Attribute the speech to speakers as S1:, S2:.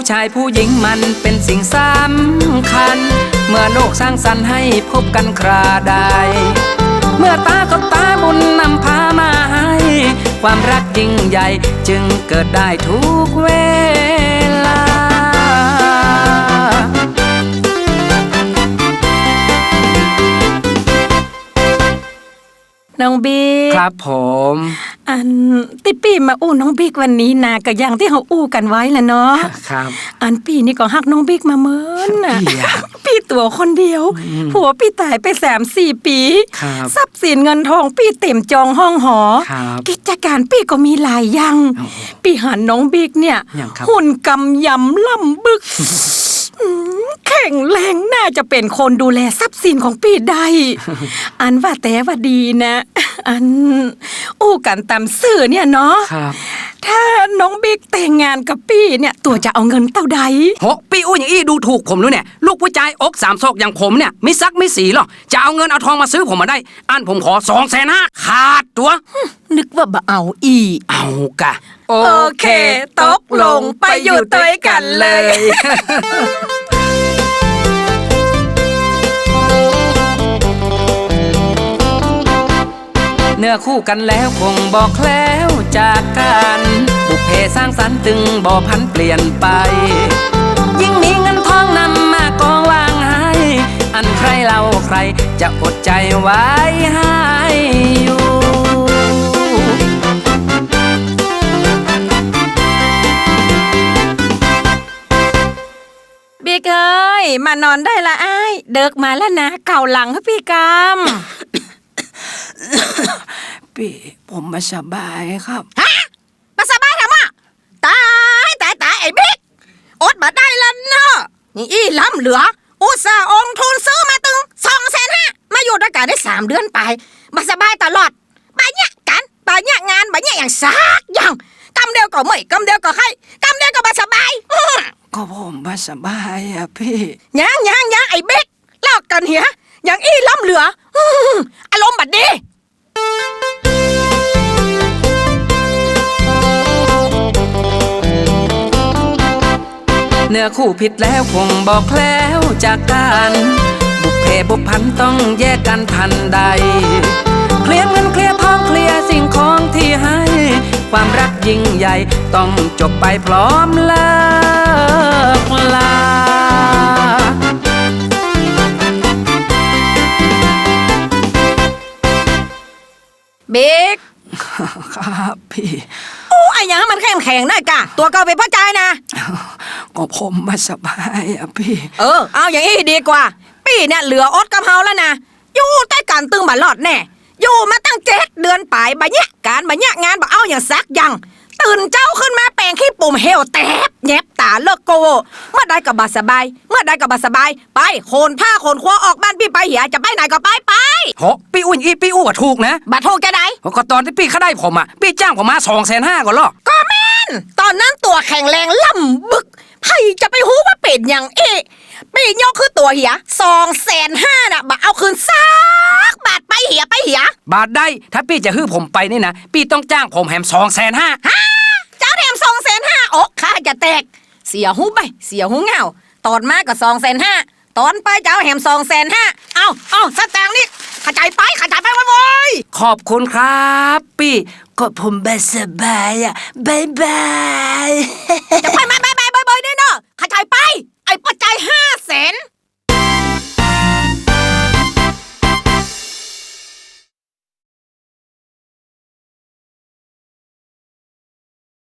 S1: ชายผู้หญิงมันเป็นสิ่งสำคัญเมื่อโลกสร้างสรรค์ให้พบกันคราใดเมื่อตากับตาบุญนำพามาให้ความรักยิ่งใหญ่จึงเกิดได้ทุกเวลา
S2: น้องบิ๊ก
S1: ครับผม
S2: ติปีมาอู้น้องบิ๊กวันนี้นะก็อย่างที่เขาอู้กันไว้แหละเนาะ
S1: ครับ
S2: ปีนี่ก็ฮักน้องบิ๊กมาเมินปีตัวคนเดียวผัวปีตายไป3-4 ปีทรัพย์สินเงินทองปีเต็มจองห้องหอกิจการปีก็มีหลายอย่างปีหันน้องบิ๊กเนี่ยหุ่นกำยำล่ำบึกแข็งแรงน่าจะเป็นคนดูแลทรัพย์สินของปีได้ว่าแต่ว่าดีนะอู้กันตามสื่อเนี่ยเนาะถ้าน้องบิ๊กแต่งงานกับปีเนี่ยตัวจะเอาเงินเท่าใด
S1: โหปีอู้อย่างอี้ดูถูกผมด้วยเนี่ยลูกผู้ชายอก3 ศอกอย่างผมเนี่ยไม่ซักไม่สีหรอกจะเอาเงินเอาทองมาซื้อผมมาได้ผมขอ250,000ขาดตัว
S2: นึกว่าบ่เอา
S1: เอากะ
S2: โอเคตกลงไปอยู่ด้วยกันเลย
S1: เนื้อคู่กันแล้วคงบอกแคล้วจากกันบุพเพสร้างสรรค์ตึงบ่พันเปลี่ยนไปยิ่งมีเงินทองนำมากองวางให้ใครเล่าใครจะอดใจไว้ให้อยู่
S2: บิ๊กเอ้ยมานอนได้ละอ้ายเดิกมาแล้วนะเก่าหลังให้พี่กาม
S1: พี่ผมมาสบายครับ
S2: มาสบายทำไมตายไอ้บิ๊กอดมาได้แล้วเนาะนี่ล้ำเหลืออุตส่าห์องทุนซื้อมาตึง250,000มาอยู่ด้วยกันได้3 เดือนไปมาสบายตลอดไปเนี่ยกันไปเนี่ยงานไปเนี่ยอย่างซักอย่างกำเดียวก็ไม่กำเดียวก็ให้กำเดียวก็มาสบาย
S1: ก็ผมมาสบายอะพี่
S2: ยังไอ้บิ๊กเล่ากันเหี้ยอย่างล้ำเหลืออารมณ์บัดดี
S1: เนื้อคู่ผิดแล้วคงบอกแคล้วจากกันบุพเพบุพพันต้องแยกกันทันใดเคลียร์เงินเคลียร์ทองเคลียร์สิ่งของที่ให้ความรักยิ่งใหญ่ต้องจบไปพร้อมเลิกลา
S2: บิ๊ก
S1: ครับพี่
S2: ไอ้ยังมันแข็งได้กะตัวเก่าไปพ่อใจนะ
S1: ก็ผมมาสบายอะพี่
S2: เอาอย่างนี้ดีกว่าพี่เนี่ยเหลืออดกับเฮาแล้วนะอยู่ใต้การตึงบัลลอดแน่อยู่มาตั้ง7 เดือนไปบะเนี่ยการบะเนี่ยงานบะเอาอย่างซักยังตื่นเจ้าขึ้นมาแปลงขี้ปุ่มเฮลแตบแยบตาเลิกโกเมื่อใดกับบาสบายไปโคนผ้าโคนคว้าออกบ้านพี่ไปเหียจะไปไหนก็ไป
S1: โหพี่อุ้ยพี่อู้ว่าถูกนะ
S2: บัดถูกแกไหน
S1: ก็ตอนที่พี่เขาได้ผมอะพี่จ้างผมมา250,000ก่อนหรอ
S2: ก็แม่นตอนนั้นตัวแข็งแรงล่ำบึกไผจะไปหูว่าเป็นอย่างปียกคือตัวเหีย250,000น่ะบัดเอาคืนซักบาทไปเหีย
S1: บาทได้ถ้าพี่จะฮื้อผมไปนี่นะพี่ต้องจ้างผมแหม
S2: 250,000เจ้าแถม250,000อกข้าจะแตกเสียหูไปเสียหูเงาตอนมาก็250,000ตอนไปเจ้าแหม250,000เอาสตางค์นี่ขจายไปโว้ย
S1: ขอบคุณครับพี่ก็ผมสบายอะบาย